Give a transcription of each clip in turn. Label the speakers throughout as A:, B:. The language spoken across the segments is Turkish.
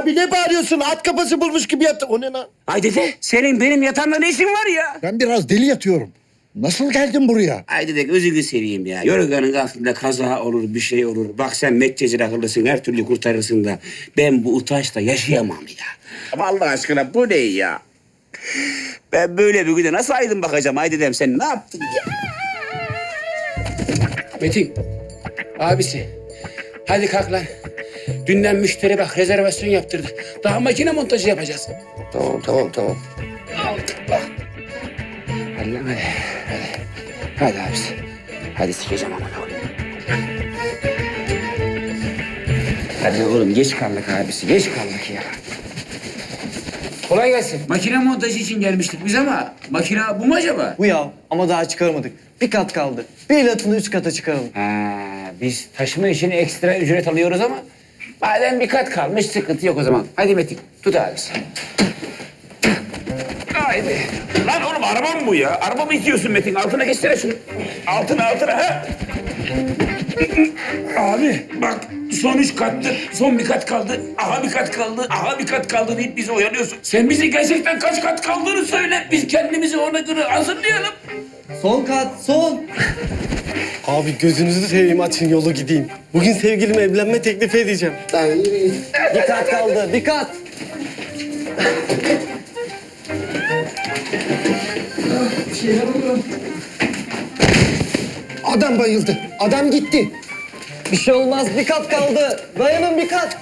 A: Abi ne bağırıyorsun? At kafası bulmuş gibi yat. O ne lan?
B: Ay dede, senin benim yatağımda ne işin var ya?
A: Ben biraz deli yatıyorum. Nasıl geldin buraya?
B: Ay dede gözünü seveyim ya. Yorganın altında kaza olur, bir şey olur. Bak sen metcezir akıllısın, her türlü kurtarırsın da. Ben bu utançla yaşayamam ya. Ama Allah aşkına bu ne ya? Ben böyle bir güne nasıl aydın bakacağım? Ay dedem sen ne yaptın ya? Metin, abisi. Hadi kalk lan. Dünden müşteri bak rezervasyon yaptırdı. Daha makine montajı yapacağız.
A: Tamam.
B: Hadi lan hadi. Hadi abisi. Hadi sikeceğim aman oğlum. Hadi oğlum geç kaldık abisi. Geç kaldık ya. Kolay gelsin. Makine montajı için gelmiştik biz ama makine bu mu acaba?
C: Bu ya ama daha çıkarmadık. Bir kat kaldı. Bir latını üst kata çıkaralım.
B: Ha, biz taşıma için ekstra ücret alıyoruz ama madem bir kat kalmış sıkıntı yok o zaman. Hadi Metin tut abisi. Haydi. Lan oğlum araba mı bu ya? Araba mı itiyorsun Metin? Altına geçsene şunu. Altına ha. Abi bak son 3 kattı. Son bir kat kaldı. Aha bir kat kaldı. Aha bir kat kaldı deyip bizi oyanıyorsun. Sen bize gerçekten kaç kat kaldığını söyle. Biz kendimizi ona göre hazırlayalım.
C: Son kat, son. Abi gözünüzü seveyim açın yolu gideyim. Bugün sevgilime evlenme teklifi edeceğim. Bir kat kaldı, bir kat.
A: Adam bayıldı. Adam gitti.
C: Bir şey olmaz, bir kat kaldı. Dayanın bir kat.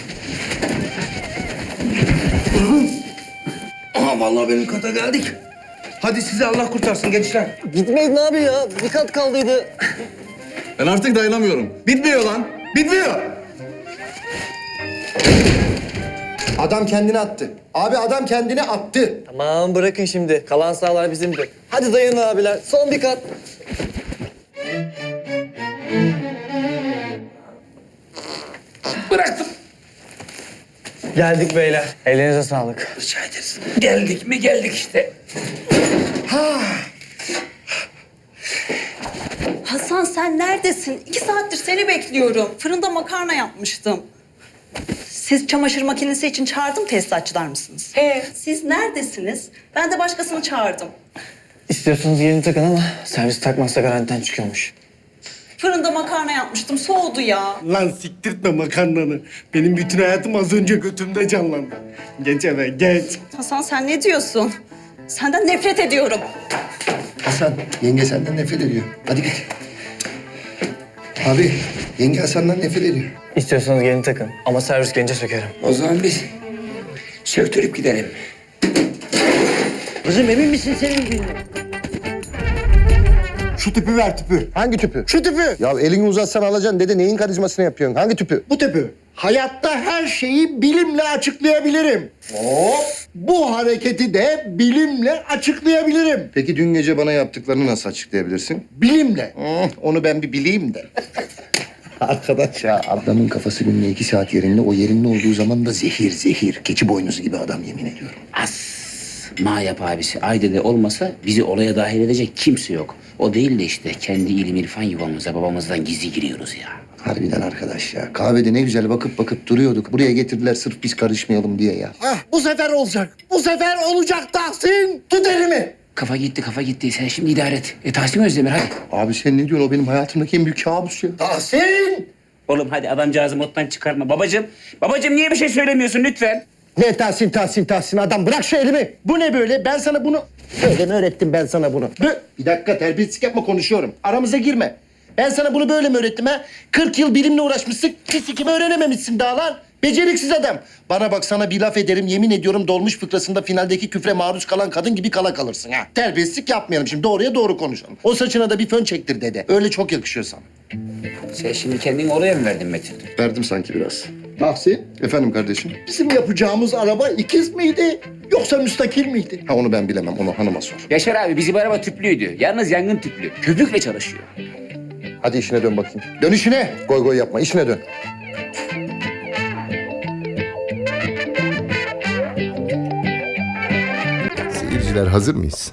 A: Aha vallahi benim kata geldik. Hadi sizi Allah kurtarsın gençler.
C: Gitmeyin abi ya, bir kat kaldıydı.
D: Ben artık dayanamıyorum. Bitmiyor lan. Bitmiyor.
A: Adam kendini attı. Abi adam kendini attı.
C: Tamam bırakın şimdi, kalan sahalar bizimdi. Hadi dayanın abiler, son bir kat.
B: Bıraktım.
C: Geldik beyler. Ellerinize sağlık.
B: Rica ederiz. Geldik mi geldik işte.
E: Hasan sen neredesin? 2 saattir seni bekliyorum. Fırında makarna yapmıştım. Siz çamaşır makinesi için çağırdım tesisatçılar mısınız? Siz neredesiniz? Ben de başkasını çağırdım.
C: İstiyorsanız yeni takın ama servis takmazsa garantiden çıkıyormuş.
E: Fırında makarna yapmıştım. Soğudu ya.
A: Lan siktirtme makarnanı. Benim bütün hayatım az önce götümde canlandı. Geç eve geç.
E: Hasan sen ne diyorsun? Senden nefret ediyorum.
F: Hasan, yenge senden nefret ediyor. Hadi git. Abi, yenge Hasan'dan nefret ediyor.
C: İstiyorsanız yeni takın ama servis gelince sökerim.
B: O zaman biz söktürüp gidelim.
A: Kızım emin misin senin Şu tüpü ver tüpü.
F: Hangi tüpü?
A: Şu tüpü.
F: Ya elini uzatsan alacaksın dede. Neyin karizmasını yapıyorsun? Hangi tüpü?
A: Bu tüpü. Hayatta her şeyi bilimle açıklayabilirim. Hop. Bu hareketi de bilimle açıklayabilirim.
F: Peki dün gece bana yaptıklarını nasıl açıklayabilirsin?
A: Bilimle. Onu ben bir bileyim de.
F: Arkadaş ya. Adamın kafası günde 2 saat yerinde. O yerinde olduğu zaman da zehir. Keçi boynuzu gibi adam yemin ediyorum.
B: Ma yap abisi. Aydede olmasa bizi olaya dahil edecek kimse yok. O değil de işte kendi ilim irfan yuvamıza babamızdan gizli giriyoruz ya.
F: Harbiden arkadaş ya. Kahvede ne güzel bakıp duruyorduk. Buraya getirdiler sırf biz karışmayalım diye ya.
A: Ah bu sefer olacak. Bu sefer olacak Tahsin. Tut elimi.
B: Kafa gitti. Sen şimdi idare et. Tahsin Özdemir hadi.
F: Abi sen ne diyorsun? O benim hayatımdaki en büyük kabus ya.
A: Tahsin.
B: Oğlum hadi adamcağızı moddan çıkarma. Babacığım niye bir şey söylemiyorsun lütfen?
A: Ne Tahsin adam bırak şu elimi. Bu ne böyle? Ben sana bunu... Böyle mi öğrettim ben sana bunu? Bir dakika terbiyesizlik yapma konuşuyorum. Aramıza girme. Ben sana bunu böyle mi öğrettim ha? 40 yıl bilimle uğraşmışsın. Fisikimi öğrenememişsin daha lan. Beceriksiz adam. Bana bak sana bir laf ederim yemin ediyorum dolmuş fıkrasında finaldeki küfre maruz kalan kadın gibi kala kalırsın ha. Terbiyesizlik yapmayalım şimdi doğruya doğru konuşalım. O saçına da bir fön çektir dede. Öyle çok yakışıyor sana.
B: Sen şimdi kendini oraya mı verdin Metin?
F: Verdim sanki biraz. Tahsin. Efendim kardeşim.
A: Bizim yapacağımız araba ikiz miydi yoksa müstakil miydi?
F: Ha onu ben bilemem. Onu hanıma sor.
B: Yaşar abi bizim araba tüplüydü. Yalnız yangın tüplü. Köpükle çalışıyor.
F: Hadi işine dön bakayım. Dön işine. Goy yapma. İşine dön.
G: Seyirciler hazır mıyız?